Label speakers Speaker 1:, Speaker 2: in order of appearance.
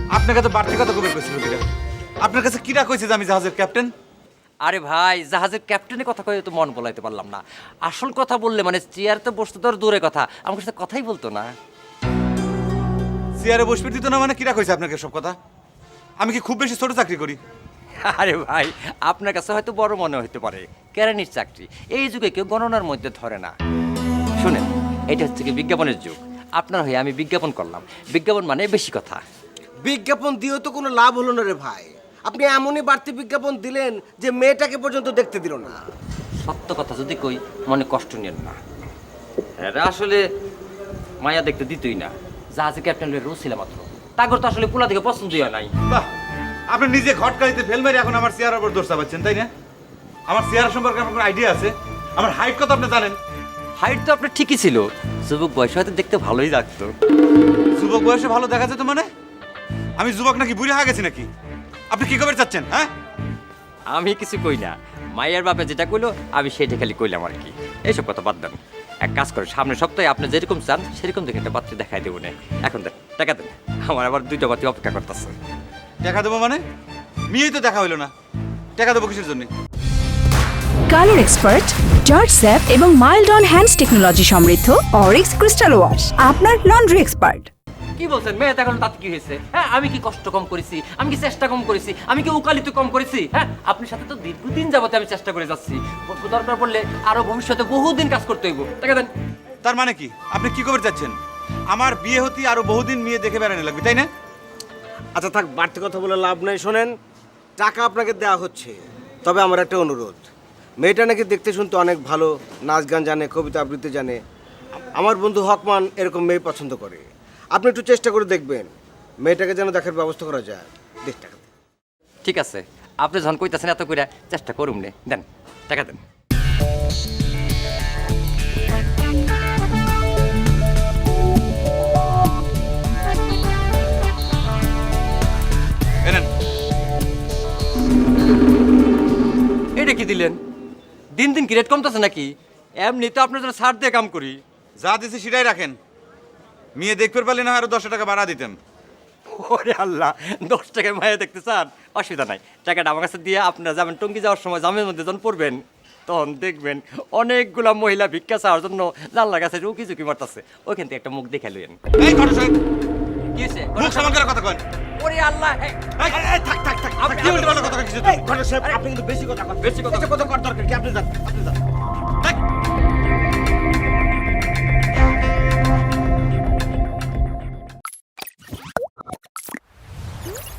Speaker 1: আপনার কাছে বাড়তি কথা কবে কইছিল কিরা? আপনার কাছে কিরা কইছে যে আমি জাহাজের ক্যাপ্টেন?
Speaker 2: আরে ভাই, জাহাজের ক্যাপ্টেনের কথা কয়ে তো মন বলাইতে পারলাম না। আসল কথা বললে মানে চেয়ারতে বসতে তো আর দূরে কথা, আমার সাথে কথাই বলতো না।
Speaker 1: চেয়ারে বসবে দিত না মানে কিরা কইছে আপনাকে সব কথা? আমি কি খুব বেশি ছোট চাকরি করি?
Speaker 2: আরে ভাই, আপনার কাছে হয়তো বড় মনে হতে পারে, কেরানির চাকরি এই যুগে কেউ গণনার মধ্যে ধরে না। শুনেন, এটা হচ্ছে কি বিজ্ঞাপনের যুগ। আপনার হয়ে আমি বিজ্ঞাপন করলাম, বিজ্ঞাপন মানে বেশি কথা।
Speaker 3: বিজ্ঞাপন দিয়েও তো কোনো লাভ হলো না রে ভাই। আপনি এমনই বাড়তি বিজ্ঞাপন দিলেন যে মেয়েটাকে পর্যন্ত দেখতে দিল না।
Speaker 2: সত্য কথা যদি কই, মনে কষ্ট নেন না। এরা আসলে মায়া দেখতে দিতই না। জাহাজের ক্যাপ্টেন রোজ ছিল মাত্র, তাগর তো আসলে পোলা থেকে পছন্দই হয় নাই।
Speaker 1: বাহ, আপনি নিজে ঘটকালিতে ফেল মেরে এখন আমার চেয়ারের উপর দোষ চাপাচ্ছেন, তাই না? আমার চেয়ার সম্পর্কে আপনার কোনো আইডিয়া আছে? আমার হাইট কত আপনি জানেন?
Speaker 2: হাইট তো আপনার ঠিকই ছিল, যুবক বয়সে হয়তো দেখতে ভালোই লাগতো।
Speaker 1: যুবক বয়সে ভালো দেখা যেত মানে? আমি যুবক নাকি বুড়ি হয়ে গেছি নাকি? আপনি কি খবর চাচ্ছেন? হ্যাঁ,
Speaker 2: আমি কিছু কই না, মায়ের বাপে যেটা কইলো আমি সেটা খালি কইলাম আর কি। এইসব কথা বাদ দেন, এক কাজ করে সামনের সপ্তাহে আপনি যেরকম চান সেরকম দেখে একটা পাত্রী দেখাই দেবো না। এখন দেন, টাকা দেন, আমার আবার 2টা পাত্রী অপেক্ষা করতেছে।
Speaker 1: টাকা দেবো মানে? মেয়েই তো দেখা হইলো না, টাকা দেবো কিসের জন্য?
Speaker 4: কালার এক্সপার্ট, জর্জ স্যাপ এবং মাইল্ড অন হ্যান্ডস টেকনোলজি সমৃদ্ধ অরিক্স ক্রিস্টাল ওয়াশ আপনার লন্ড্রি এক্সপার্ট।
Speaker 2: কি বলছেন মেয়ে এখন তাতে কি হয়েছে? হ্যাঁ, আমি কি কষ্ট কম করেছি? আমি কি চেষ্টা কম করেছি? আমি কি উকালিত কম করেছি? হ্যাঁ, আপনার সাথে তো দীর্ঘদিন যাবতে আমি চেষ্টা করে যাচ্ছি। দরকার পড়লে আরো ভবিষ্যতে বহুদিন কাজ করতে হইব। টাকা দেন।
Speaker 1: তার মানে কি? আপনি কি খবর চাচ্ছেন? আমার বিয়ে হতে আরো বহুদিন মেয়ে দেখে বেড়ানো লাগবে, তাই না?
Speaker 3: আচ্ছা থাক, বাড়তি কথা বলে লাভ নেই। শোনেন, টাকা আপনাকে দেওয়া হচ্ছে, তবে আমার একটা অনুরোধ। মেয়েটা নাকি দেখতে শুনতে অনেক ভালো, নাচ গান জানে, কবিতা আবৃত্তি জানে। আমার বন্ধু হকমান এরকম মেয়ে পছন্দ করে। আপনি একটু চেষ্টা করে দেখবেন, মেয়েটাকে যেন দেখার ব্যবস্থা করা যায়। দেখ টাকা দে।
Speaker 2: ঠিক আছে, আপনি যখন কইতাছেন এত করে চেষ্টা করুন নে। দেন, টাকা দেন।
Speaker 1: এনেন।
Speaker 2: এটা কি দিলেন? দিন দিন কি রেট কমতেছে নাকি? এমনি তো আপনার জন্য ছাড় দিয়ে কাম করি।
Speaker 1: যা দিছি সেটাই রাখেন। মেয়ে দেখতে পারলে না আরো 10 টাকা বাড়া দিতাম।
Speaker 2: ওরে আল্লাহ, 10 টাকায় মায়া দেখতে চান? অসুবিধা নাই, টাকাটা আমার কাছে দিয়ে আপনারা যাবেন টঙ্গী যাওয়ার সময় জামের মধ্যে যখন পড়বেন তখন দেখবেন অনেকগুলা মহিলা ভিক্ষা চাওয়ার জন্য জানলার কাছে উকি ঝুঁকি মারতেছে। ওইখান থেকে একটা মুখ দেখে লইন।
Speaker 1: এই ঘটক সাহেব,
Speaker 2: কি হয়েছে?
Speaker 1: মুখ সামান করে কথা কন।
Speaker 2: ওরে আল্লাহ,
Speaker 3: থাক থাক থাক,
Speaker 1: আপনি কি উল্টো কথা কিছু?
Speaker 3: ঘটক সাহেব, আপনি কিন্তু বেশি কথা বলেন।
Speaker 2: বেশি কথা
Speaker 3: কথা করার দরকার কি? আপনি যান, আপনি যান।
Speaker 1: ধ্যাৎ।